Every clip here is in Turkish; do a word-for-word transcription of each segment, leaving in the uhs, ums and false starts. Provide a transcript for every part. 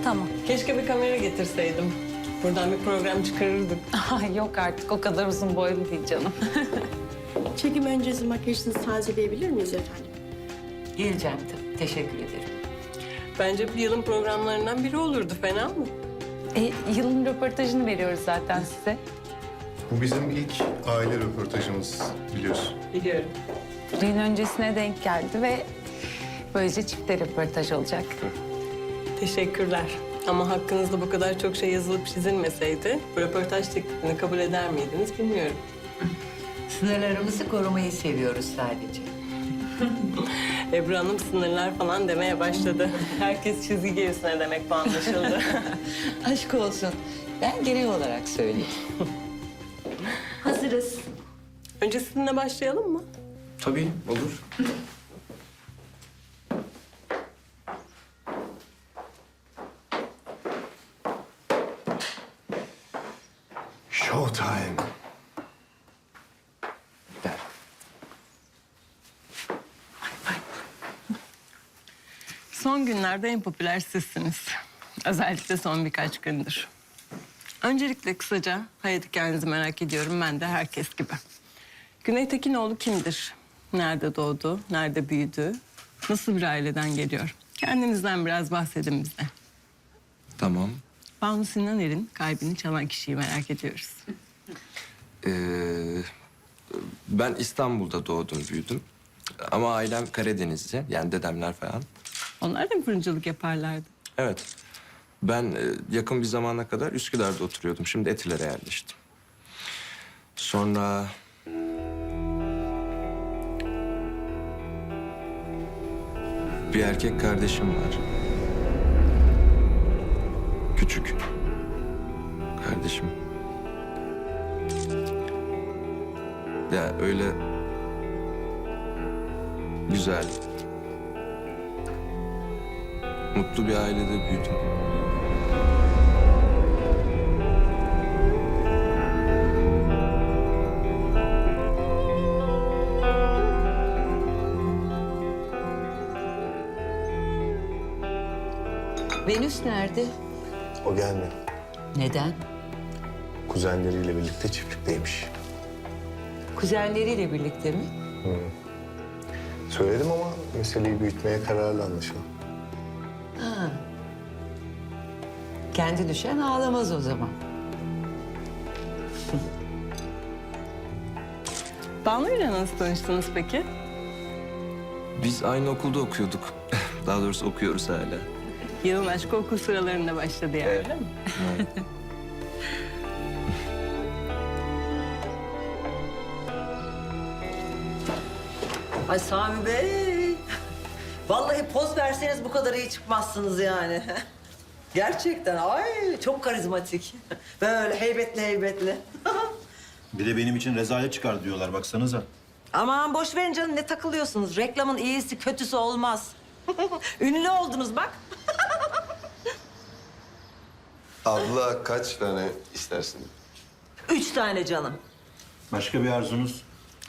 Tamam. Keşke bir kamera getirseydim. Buradan bir program çıkarırdık. Ay yok artık o kadar uzun boylu değil canım. Çekim öncesi makyajınızı tazeleyebilir miyiz efendim? Geleceğim tabii. Teşekkür ederim. Bence bir yılın programlarından biri olurdu. Fena mı? E, yılın röportajını veriyoruz zaten size. Bu bizim ilk aile röportajımız biliyorsun. Biliyorum. Düğün öncesine denk geldi ve böylece çifte röportaj olacak. Teşekkürler. Ama hakkınızda bu kadar çok şey yazılıp çizilmeseydi... ...bu röportaj teklifini kabul eder miydiniz bilmiyorum. Sınırlarımızı korumayı seviyoruz sadece. Ebru Hanım sınırlar falan demeye başladı. Herkes çizgi gerisine demek bu anlaşıldı. Aşk olsun. Ben genel olarak söyleyeyim. Hazırız. Önce sizinle başlayalım mı? Tabii, olur. Showtime. Son günlerde en popüler sizsiniz. Özellikle son birkaç gündür. Öncelikle kısaca hayat hikayenizi merak ediyorum ben de herkes gibi. Güney Tekinoğlu kimdir? Nerede doğdu? Nerede büyüdü? Nasıl bir aileden geliyor? Kendinizden biraz bahsedin bize. Tamam. Banu Sinaner'in kalbini çalan kişiyi merak ediyoruz. Ee, ben İstanbul'da doğdum, büyüdüm. Ama ailem Karadenizli, yani dedemler falan. Onlar da mı fırıncılık yaparlardı? Evet. Ben e, yakın bir zamana kadar Üsküdar'da oturuyordum. Şimdi Etiler'e yerleştim. Sonra... Bir erkek kardeşim var. Küçük. Kardeşim. Ya öyle... Güzel. Mutlu bir ailede büyüdüm. Venüs nerede? O gelmiyor. Neden? Kuzenleriyle birlikte çiftlikteymiş. Kuzenleriyle birlikte mi? Söyledim ama meseleyi büyütmeye kararlı anlaşılan. Ha. Kendi düşen ağlamaz o zaman. Banu ile nasıl tanıştınız peki? Biz aynı okulda okuyorduk. Daha doğrusu okuyoruz hala. Yılın aşkı okul sıralarında başladı yani, öyle mi? Ay Sami Bey. Vallahi poz verseniz bu kadar iyi çıkmazsınız yani. Gerçekten ay çok karizmatik. Böyle heybetli heybetli. Bir de benim için rezalet çıkar diyorlar baksanıza. Aman boş verin canım ne takılıyorsunuz? Reklamın iyisi kötüsü olmaz. Ünlü oldunuz bak. Abla kaç tane istersin? Üç tane canım. Başka bir arzunuz?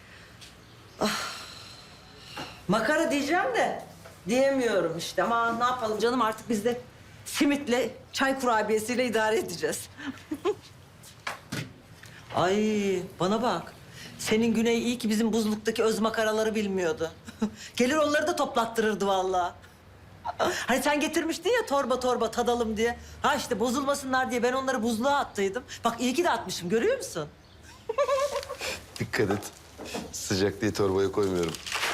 Makara diyeceğim de diyemiyorum işte. Ama ne yapalım canım artık biz de simitle, çay kurabiyesiyle idare edeceğiz. Ay bana bak. Senin Güney iyi ki bizim buzluktaki öz makaraları bilmiyordu. Gelir onları da toplattırırdı vallahi. Hani sen getirmiştin ya torba torba tadalım diye. Ha işte bozulmasınlar diye ben onları buzluğa attıydım. Bak iyi ki de atmışım görüyor musun? Dikkat et. Sıcak diye torbaya koymuyorum.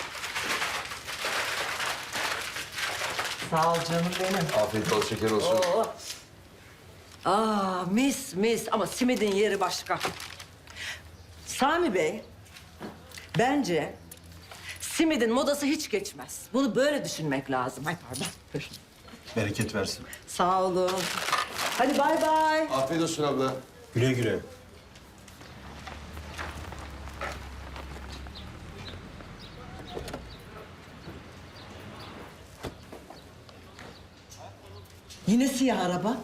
Sağ ol canım benim. Afiyet bol şeker olsun. Oo. Aa mis mis ama simidin yeri başka. Sami Bey, bence simidin modası hiç geçmez. Bunu böyle düşünmek lazım. Ay pardon. Buyurun. Bereket versin. Sağ olun. Hadi bay bay. Afiyet olsun abla. Güle güle. Yine siyah araba.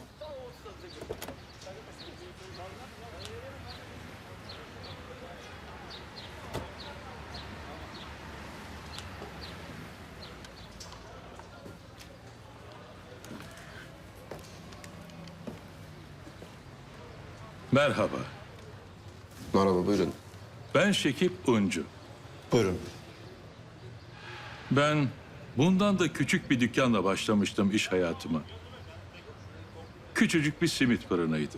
Merhaba, Merhaba, buyurun. ben Şekip Uncu. Buyurun. Ben bundan da küçük bir dükkanla başlamıştım iş hayatıma. Küçücük bir simit fırınıydı.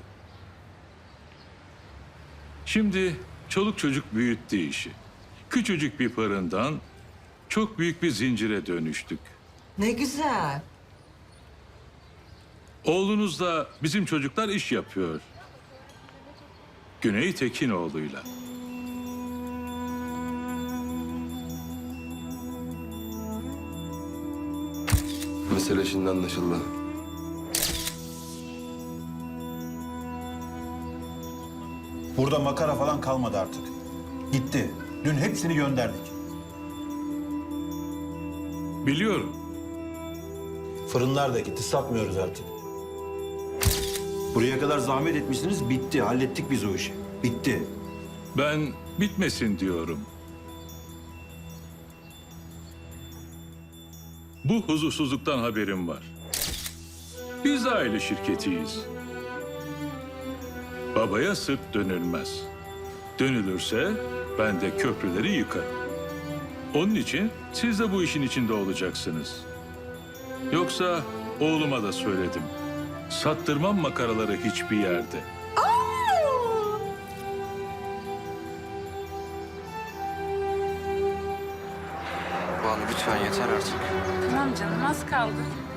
Şimdi çoluk çocuk büyüttü işi. Küçücük bir fırından çok büyük bir zincire dönüştük. Ne güzel. Oğlunuzla bizim çocuklar iş yapıyor. Güney Tekinoğlu'yla. Mesele şimdi anlaşıldı. Burada makara falan kalmadı artık. Gitti. Dün hepsini gönderdik. Biliyorum. Fırınlar da gitti. Satmıyoruz artık. Buraya kadar zahmet etmişsiniz. Bitti. Hallettik biz o işi. Bitti. Ben bitmesin diyorum. Bu huzursuzluktan haberim var. Biz de aile şirketiyiz. Babaya sırt dönülmez. Dönülürse ben de köprüleri yıkarım. Onun için siz de bu işin içinde olacaksınız. Yoksa oğluma da söyledim. Sattırmam makaraları hiçbir yerde. Banu lütfen yeter artık. Tamam canım, az kaldı.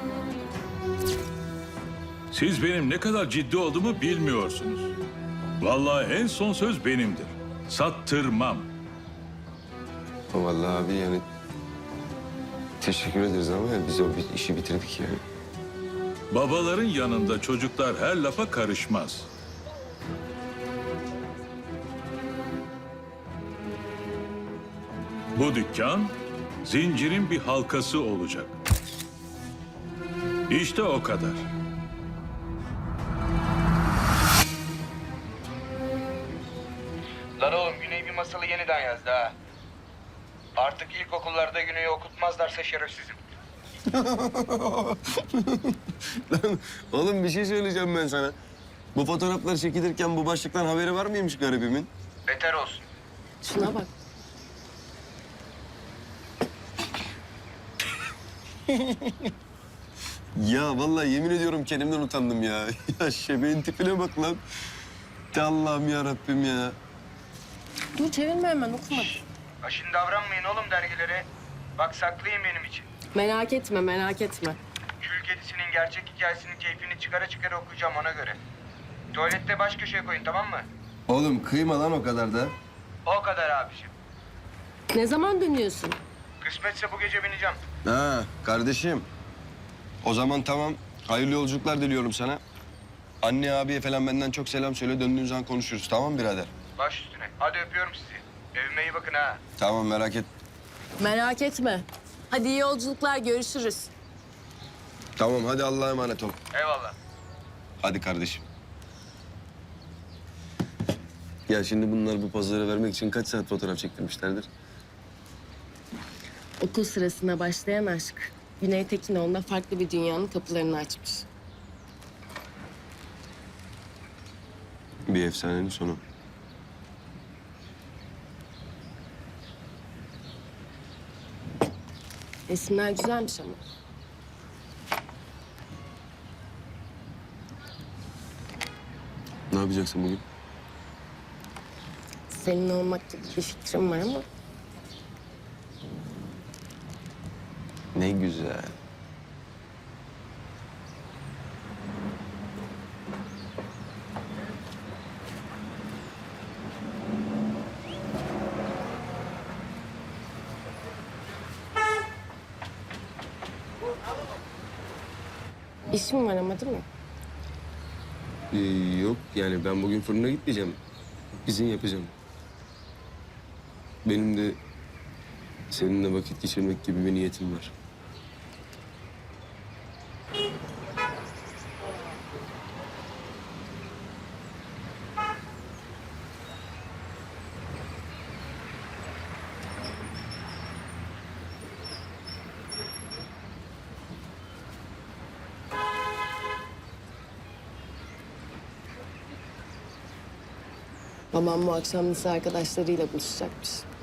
Siz benim ne kadar ciddi olduğumu bilmiyorsunuz. Vallahi en son söz benimdir. Sattırmam. Vallahi abi yani teşekkür ederiz ama yani biz o bir işi bitirdik yani. Babaların yanında çocuklar her lafa karışmaz. Bu dükkan zincirin bir halkası olacak. İşte o kadar. Lan oğlum Güney bir masalı yeniden yazdı ha. Artık ilkokullarda Güney'i okutmazlarsa şerefsizim. Oğlum bir şey söyleyeceğim ben sana. Bu fotoğraflar çekilirken bu başlıktan haberi var mıymış garibimin? Beter olsun. Şuna bak. Ya vallahi yemin ediyorum kendimden utandım ya. Ya şebeğin tipine bak lan. De Allah'ım ya Rabbim ya. Dur çevirme hemen okuma. Aşın davranmayın oğlum dergilere. Bak saklayın benim için. Merak etme merak etme. Kül kedisinin gerçek hikayesinin keyfini çıkara çıkara okuyacağım ona göre. Tuvalette baş köşeye koyun tamam mı? Oğlum kıyma lan o kadar da. O kadar abiciğim. Ne zaman dönüyorsun? Kısmetse bu gece bineceğim. Ha kardeşim. O zaman tamam. Hayırlı yolculuklar diliyorum sana. Anne abiye falan benden çok selam söyle. Döndüğün zaman konuşuruz. Tamam birader? Baş üstüne. Hadi öpüyorum sizi. Evime iyi bakın ha. Tamam merak et. Merak etme. Hadi iyi yolculuklar görüşürüz. Tamam hadi Allah'a emanet ol. Eyvallah. Hadi kardeşim. Ya şimdi bunlar bu pozları vermek için kaç saat fotoğraf çektirmişlerdir? Okul sırasında başlayan aşk. Güney Tekinoğlu'nda farklı bir dünyanın kapılarını açmış. Bir efsanenin sonu. Resimler güzelmiş ama. Ne yapacaksın bugün? Senin olmak gibi bir fikrim var ama Ne güzel. işim var ama değil mi? Ee, yok yani ben bugün fırına gitmeyeceğim. İzin yapacağım. Benim de seninle vakit geçirmek gibi bir niyetim var. Babam bu akşam lise arkadaşlarıyla buluşacakmış.